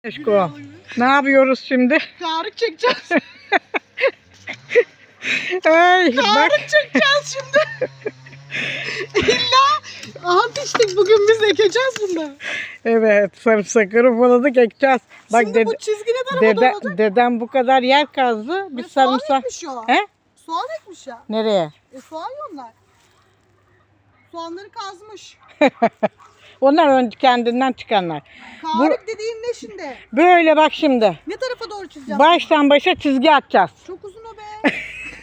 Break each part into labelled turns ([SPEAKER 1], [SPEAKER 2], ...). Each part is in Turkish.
[SPEAKER 1] Eşko, ne yapıyoruz şimdi?
[SPEAKER 2] Tarık çekeceğiz.
[SPEAKER 1] Ay, bak.
[SPEAKER 2] Tarık çekeceğiz şimdi. İlla ant içtik bugün biz ekeceğiz bunu.
[SPEAKER 1] Evet, sarımsakları ufaladık, ekeceğiz. Bak
[SPEAKER 2] Şimdi bu çizgi ne tarafa doğru?
[SPEAKER 1] dedem bu kadar yer kazdı. Biz
[SPEAKER 2] Soğan
[SPEAKER 1] sarımsak...
[SPEAKER 2] ekmiş o.
[SPEAKER 1] He?
[SPEAKER 2] Soğan ekmiş ya.
[SPEAKER 1] Nereye?
[SPEAKER 2] Soğan onlar. Soğanları kazmış.
[SPEAKER 1] Onlar kendinden çıkanlar.
[SPEAKER 2] Tarık dediğin ne şimdi?
[SPEAKER 1] Böyle bak şimdi.
[SPEAKER 2] Ne tarafa doğru çizeceğim?
[SPEAKER 1] Baştan başa çizgi atacağız.
[SPEAKER 2] Çok uzun o be.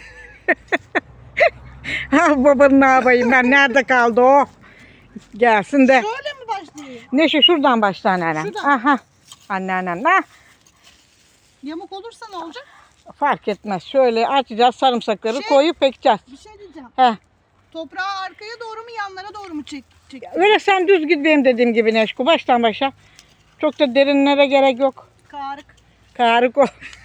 [SPEAKER 1] Ha, babanın ne yapayım ben? Nerede kaldı o? Gelsin de.
[SPEAKER 2] Şöyle mi başlayayım?
[SPEAKER 1] Neşe şuradan başla anneannem.
[SPEAKER 2] Şuradan.
[SPEAKER 1] Aha. Anneannem. Ha.
[SPEAKER 2] Yamuk olursa ne olacak?
[SPEAKER 1] Fark etmez. Şöyle açacağız sarımsakları koyup ekeceğiz.
[SPEAKER 2] Bir şey diyeceğim.
[SPEAKER 1] Heh.
[SPEAKER 2] Toprağı arkaya doğru mu yanlara doğru mu çek?
[SPEAKER 1] Öyle sen düz git benim dediğim gibi Neşko. Baştan başa. Çok da derinlere gerek yok. Karık o.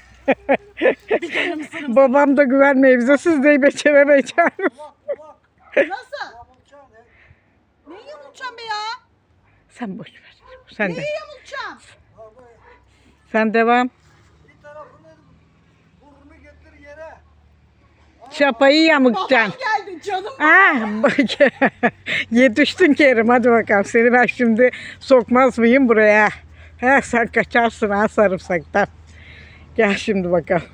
[SPEAKER 1] Babam da güvenmiyor bize. Siz de beceremeyeceksiniz.
[SPEAKER 2] Nasıl? Neyi yamulacağım be ya?
[SPEAKER 1] Sen boş ver. Sen de.
[SPEAKER 2] Neyi yamulacağım?
[SPEAKER 1] Sen devam.
[SPEAKER 3] Bir tarafını burnunu getir yere.
[SPEAKER 1] Çapayı yamuktacaksın.
[SPEAKER 2] Babam geldi canım.
[SPEAKER 1] Ah, bak. Yetiştin Kerim. Hadi bakalım. Seni ben şimdi sokmaz mıyım buraya? He, sen kaçarsın ha sarımsaktan. Gel şimdi bakalım.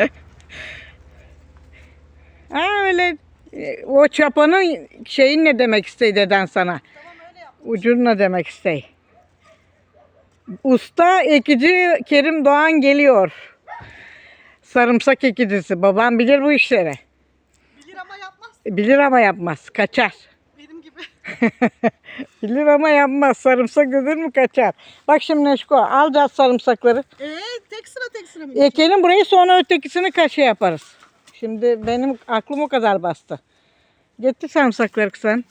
[SPEAKER 1] Ha öyle. O çapanın şeyin ne demek istedi deden sana?
[SPEAKER 2] Tamam öyle yap.
[SPEAKER 1] Ucun ne demek istey? Usta ekici Kerim Doğan geliyor. Sarımsak ekicisi. Babam bilir bu işleri.
[SPEAKER 2] Bilir ama yapmaz.
[SPEAKER 1] Bilir ama yapmaz. Kaçar.
[SPEAKER 2] Benim gibi.
[SPEAKER 1] Bilir ama yapmaz. Sarımsak dedin mi kaçar. Bak şimdi Neşko alacağız sarımsakları.
[SPEAKER 2] Tek sıra mı?
[SPEAKER 1] Ekelim burayı sonra ötekisini kaşe yaparız. Şimdi benim aklım o kadar bastı. Getir sarımsakları sen.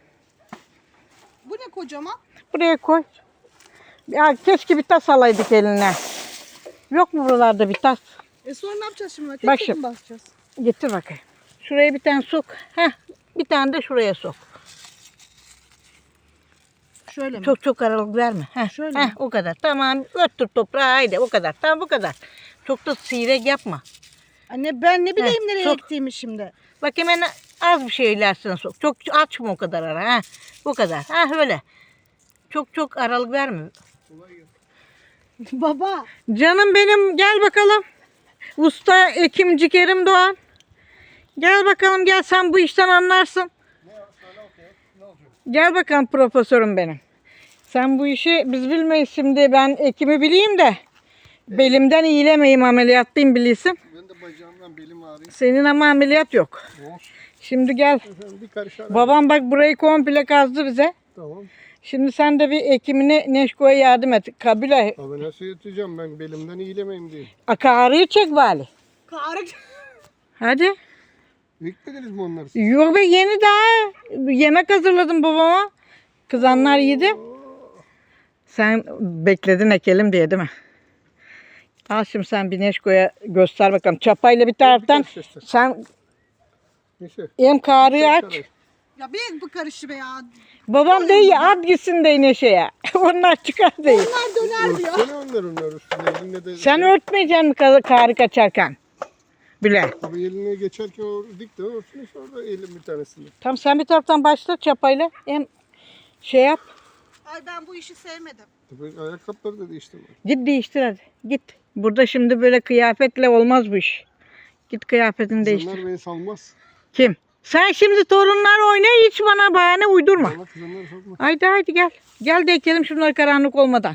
[SPEAKER 2] Bu ne kocaman?
[SPEAKER 1] Buraya koy. Ya keşke bir tas alaydık eline. Yok mu buralarda bir tas?
[SPEAKER 2] Sonra ne yapacağız şimdi?
[SPEAKER 1] Bak
[SPEAKER 2] Tek
[SPEAKER 1] şimdi.
[SPEAKER 2] mi basacağız?
[SPEAKER 1] Getir bakayım. Şuraya bir tane sok. Heh, bir tane de şuraya sok.
[SPEAKER 2] Şöyle mi?
[SPEAKER 1] Çok aralık verme. Heh,
[SPEAKER 2] Şöyle mi?
[SPEAKER 1] o kadar. Tamam. Öttür toprağı haydi o kadar. Tamam bu kadar. Çok da seyrek yapma.
[SPEAKER 2] Anne ben ne bileyim nereye
[SPEAKER 1] çok.
[SPEAKER 2] ektiğimi şimdi.
[SPEAKER 1] Bak hemen az bir şey ilerisine sok. Çok açma o kadar ara. Ha, bu kadar. Ha öyle. Çok aralık verme.
[SPEAKER 2] Baba.
[SPEAKER 1] Canım benim gel bakalım. Usta ekimci Kerim Doğan. Gel bakalım gel sen bu işten anlarsın. Gel bakalım profesörüm benim. Sen bu işi biz bilmeyiz şimdi ben ekimi bileyim de. Belimden iyilemeyim ameliyatlıyım bilirsin.
[SPEAKER 3] Ben de bacağımdan belim ağrıyor.
[SPEAKER 1] Senin ama ameliyat yok.
[SPEAKER 3] Olsun.
[SPEAKER 1] Şimdi gel.
[SPEAKER 3] Efendim bir karış ara.
[SPEAKER 1] Babam bak burayı komple kazdı bize.
[SPEAKER 3] Tamam.
[SPEAKER 1] Şimdi sen de bir ekimine Neşko'ya yardım et. Kabile.
[SPEAKER 3] Abi nasıl yatacağım ben belimden iyilemeyim diye.
[SPEAKER 1] Akarıyı çek bari.
[SPEAKER 2] Tarık.
[SPEAKER 1] Hadi.
[SPEAKER 3] Beklediniz mi onları?
[SPEAKER 1] Yok be yeni daha. Yemek hazırladım babama. Kızanlar yedi. Sen bekledin ekelim diye değil mi? Al şimdi sen bir Neşko'ya göster bakalım. Çapayla bir taraftan sen
[SPEAKER 3] Neyse.
[SPEAKER 1] hem karıyı aç.
[SPEAKER 2] Ya bir bu karışı be ya.
[SPEAKER 1] Babam değil at gitsin de Neşe'ye. Onlar çıkar değil.
[SPEAKER 2] Bunlar döner diyor.
[SPEAKER 3] Örtsene onların üstüne. Eline de...
[SPEAKER 1] Sen örtmeyeceksin mi karı kaçarken? Bile.
[SPEAKER 3] Abi eline geçerken o dik de örtsün işte orada elim bir tanesini.
[SPEAKER 1] Tamam sen bir taraftan başla çapayla. Hem şey yap.
[SPEAKER 2] Ay ben bu işi sevmedim.
[SPEAKER 3] Tabii ayakkabıları da değiştirme.
[SPEAKER 1] Git değiştir hadi. Git. Burada şimdi böyle kıyafetle olmaz bu iş. Git kıyafetini değiştir.
[SPEAKER 3] Kızanlar beni salmaz.
[SPEAKER 1] Kim? Sen şimdi torunlar oyna hiç bana bahane uydurma.
[SPEAKER 3] Valla kızanlar salmaz.
[SPEAKER 1] Haydi gel. Gel de ekelim şunları karanlık olmadan.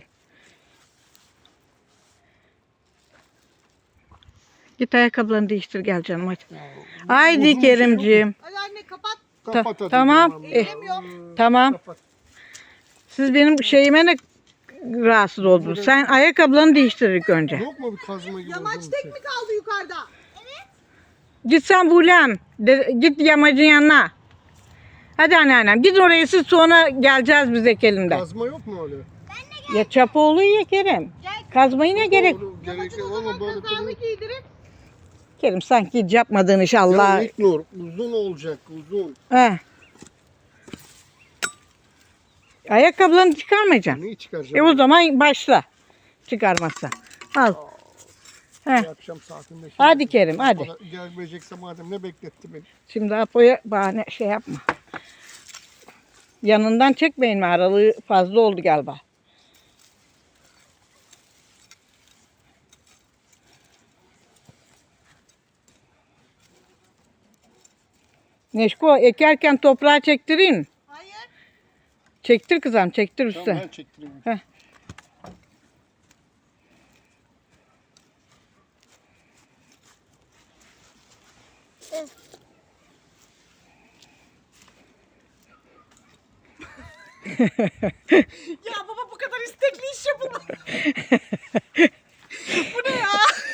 [SPEAKER 1] Git ayakkabılarını değiştir gel canım hadi. Haydi
[SPEAKER 3] uzun bir şey yok mu?
[SPEAKER 1] Kerimciğim.
[SPEAKER 2] Hadi anne kapat.
[SPEAKER 3] Kapat hadi.
[SPEAKER 1] Tamam.
[SPEAKER 2] Ellemiyor.
[SPEAKER 1] Tamam.
[SPEAKER 3] Kapat.
[SPEAKER 1] Siz benim şeyime ne rahatsız oldunuz. Sen ayakkabılarını değiştir ilk önce.
[SPEAKER 3] Yok mu bir kazma gibi?
[SPEAKER 2] Yamaç
[SPEAKER 3] uzun bir
[SPEAKER 2] tek
[SPEAKER 3] şey?
[SPEAKER 2] mi kaldı yukarıda?
[SPEAKER 1] Git sen Bulem. Git yamacın yanına. Hadi anneannem. Gidin oraya siz sonra geleceğiz biz ekelimde.
[SPEAKER 3] Kazma yok mu öyle?
[SPEAKER 1] Ya çapa oluyor ya Kerim. Kazmayı ne gerek?
[SPEAKER 3] Olur, gerek yok
[SPEAKER 2] O
[SPEAKER 3] ama
[SPEAKER 2] zaman
[SPEAKER 3] böyle
[SPEAKER 2] kazağını giydirip.
[SPEAKER 1] Kerim sanki hiç yapmadığın iş Allah.
[SPEAKER 3] Ya İlknur uzun olacak uzun.
[SPEAKER 1] He. Ayakkabılarını çıkarmayacaksın.
[SPEAKER 3] Neyi çıkaracağım?
[SPEAKER 1] O zaman başla. çıkarmazsan. Al. Heh.
[SPEAKER 3] Bir akşam saatinde şimdi.
[SPEAKER 1] Hadi Kerim, hadi.
[SPEAKER 3] Gelmeyecekse madem ne bekletti beni.
[SPEAKER 1] Şimdi Apo'ya bahane şey yapma. Yanından çekmeyin mi? Aralığı fazla oldu galiba. Neşko ekerken toprağa çektireyim mi?
[SPEAKER 2] Hayır.
[SPEAKER 1] Çektir kızım, çektir
[SPEAKER 3] Tamam
[SPEAKER 1] üstte.
[SPEAKER 3] ben çektireyim.
[SPEAKER 1] Heh.
[SPEAKER 2] Ya baba bu kadar istekli iş yapılmaz. Bu ne ya?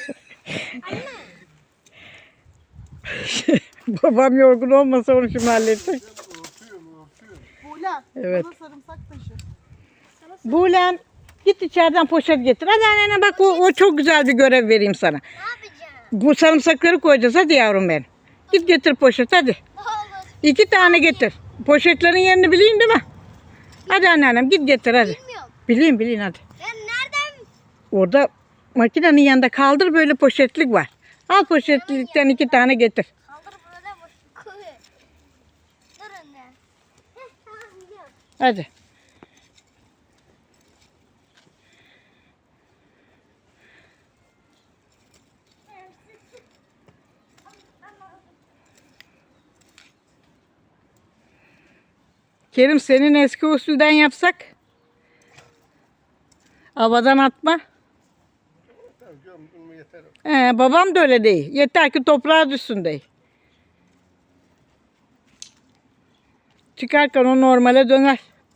[SPEAKER 1] Babam yorgun olmasa onu şimdi halledecek.
[SPEAKER 3] Örtüyorum.
[SPEAKER 2] Buğla.
[SPEAKER 1] Evet.
[SPEAKER 2] Bana sarımsak taşı.
[SPEAKER 1] Buğlem git içeriden poşet getir. Hadi annene bak o çok güzel bir görev vereyim sana.
[SPEAKER 4] Ne yapacağım?
[SPEAKER 1] Bu sarımsakları koyacağız hadi yavrum benim. Git getir poşet hadi.
[SPEAKER 4] Ne olur.
[SPEAKER 1] 2 tane getir. Poşetlerin yerini bileyim değil mi? Hadi anneannem git getir hadi.
[SPEAKER 4] Bilmiyorum.
[SPEAKER 1] Bileyim hadi.
[SPEAKER 4] Ben nereden?
[SPEAKER 1] Orada makinenin yanında kaldır böyle poşetlik var. Al poşetlikten 2 tane getir.
[SPEAKER 4] Kaldır burada boş. Koy. Durun ya. Tamam gidiyorum.
[SPEAKER 1] Hadi. Kerim senin eski usulden yapsak. Havadan atma.
[SPEAKER 3] Tamam gömdün mü yeter.
[SPEAKER 1] Babam da öyle değil. Yeter ki toprağa düşsün değil. Çıkarken o normale döner.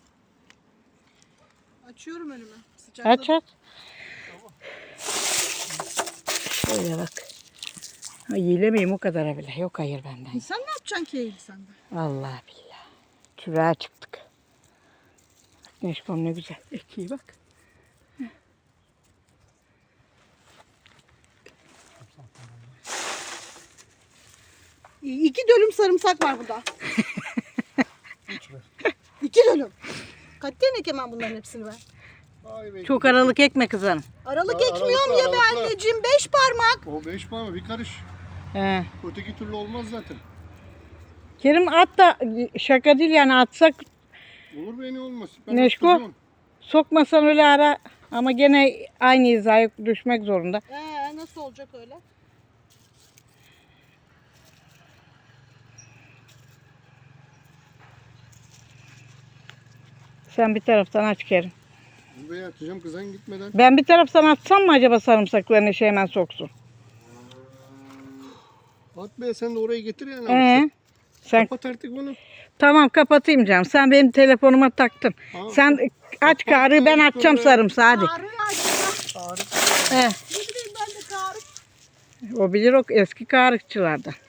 [SPEAKER 2] Açıyorum önümü. Sıcakta.
[SPEAKER 1] Aç aç. Şöyle bak. Ha, yiyilemeyim o kadar bile. Yok hayır benden.
[SPEAKER 2] Sen ne yapacaksın ki eğil sende?
[SPEAKER 1] Allah billah. Çüreğe çıktık. Bak Neşkom ne güzel. Ekiyi bak.
[SPEAKER 2] 2 dönüm sarımsak var burada.
[SPEAKER 3] Hiç ver.
[SPEAKER 2] 2 dönüm. Katiyen ekemem bunların hepsini ben.
[SPEAKER 3] Ay be.
[SPEAKER 1] Çok aralık ekme kızım.
[SPEAKER 2] Aralık
[SPEAKER 3] Aa,
[SPEAKER 2] ekmiyorum
[SPEAKER 3] aralıklı,
[SPEAKER 2] ya be
[SPEAKER 3] aralıklı.
[SPEAKER 2] anneciğim. 5 parmak.
[SPEAKER 3] O 5 parma bir karış.
[SPEAKER 1] He.
[SPEAKER 3] Öteki türlü olmaz zaten.
[SPEAKER 1] Kerim at da şaka değil yani atsak
[SPEAKER 3] Olur be ne olmaz. Ben
[SPEAKER 1] Neşko?
[SPEAKER 3] attırıyorum.
[SPEAKER 1] sokmasan öyle ara ama gene aynı hizaya düşmek zorunda.
[SPEAKER 2] Nasıl olacak öyle?
[SPEAKER 1] Sen bir taraftan aç Kerim.
[SPEAKER 3] Buraya atacağım kızan gitmeden.
[SPEAKER 1] Ben bir taraftan atsam mı acaba sarımsaklarını işe hemen soksun?
[SPEAKER 3] At be sen de orayı getir yani.
[SPEAKER 1] Sen
[SPEAKER 3] Kapat artık bunu.
[SPEAKER 1] tamam kapatayım canım. Sen benim telefonuma taktın.
[SPEAKER 3] Tamam.
[SPEAKER 1] Sen aç karıyı ben açacağım sarımsağı hadi.
[SPEAKER 2] Karı açma.
[SPEAKER 1] He.
[SPEAKER 2] Ne bileyim ben de karı.
[SPEAKER 1] O bilir o eski karıkçılardan.